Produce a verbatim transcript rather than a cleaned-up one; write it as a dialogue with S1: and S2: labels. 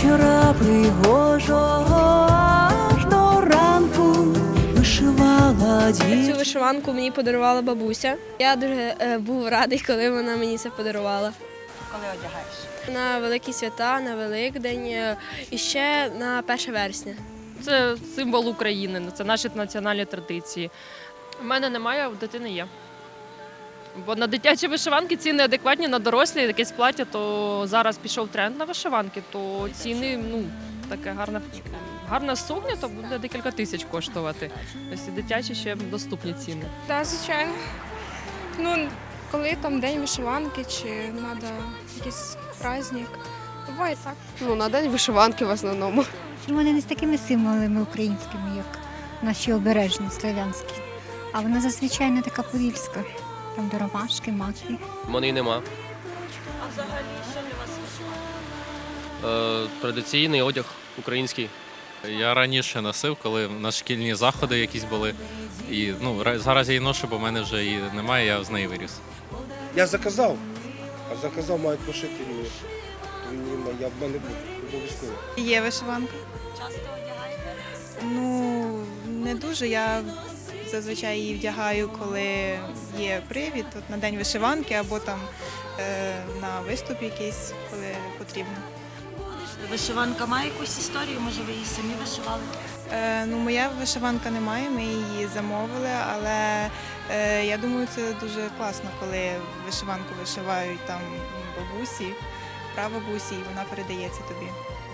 S1: вечора пригожого аж до ранку вишивала
S2: Цю
S1: дівчина.
S2: вишиванку мені подарувала бабуся. Я дуже е, був радий, коли вона мені це подарувала.
S3: Коли одягаєш?
S2: На великі свята, на Великдень е, і ще на перше вересня.
S4: Це символ України, це наші національні традиції. У мене немає, а у дитини є. Бо на дитячі вишиванки ціни адекватні, на дорослі якесь плаття, то зараз пішов тренд на вишиванки, то ціни, ну, таке гарна, гарна сукня, то буде декілька тисяч коштувати. Ось і дитячі ще доступні ціни.
S5: Так, звичайно. Ну, коли там день вишиванки чи треба якийсь праздник, буває так.
S6: Ну, на день вишиванки в основному.
S7: Вони не з такими символами українськими, як наші обережні славянські. А вона зазвичай не така подільська. Там до ромашки, маки.
S8: У мене й нема.
S3: А взагалі, що для вас вишиванка?
S8: Е, традиційний одяг український.
S9: Я раніше носив, коли на шкільні заходи якісь були. І ну, ра- зараз я її ношу, бо в мене вже її немає, я з неї виріс.
S10: Я заказав, а заказав мають пошити мені. Мені я в мене був обов'язково.
S11: Є вишиванка.
S3: Часто одягаєте?
S11: Ну, не дуже. Я зазвичай її вдягаю, коли є привід, от на день вишиванки або там е, на виступ якийсь, коли потрібно.
S3: Вишиванка має якусь історію, може ви її самі вишивали?
S11: Е, ну, моя вишиванка немає, ми її замовили, але е, я думаю, це дуже класно, коли вишиванку вишивають там бабусі, прабабусі, і вона передається тобі.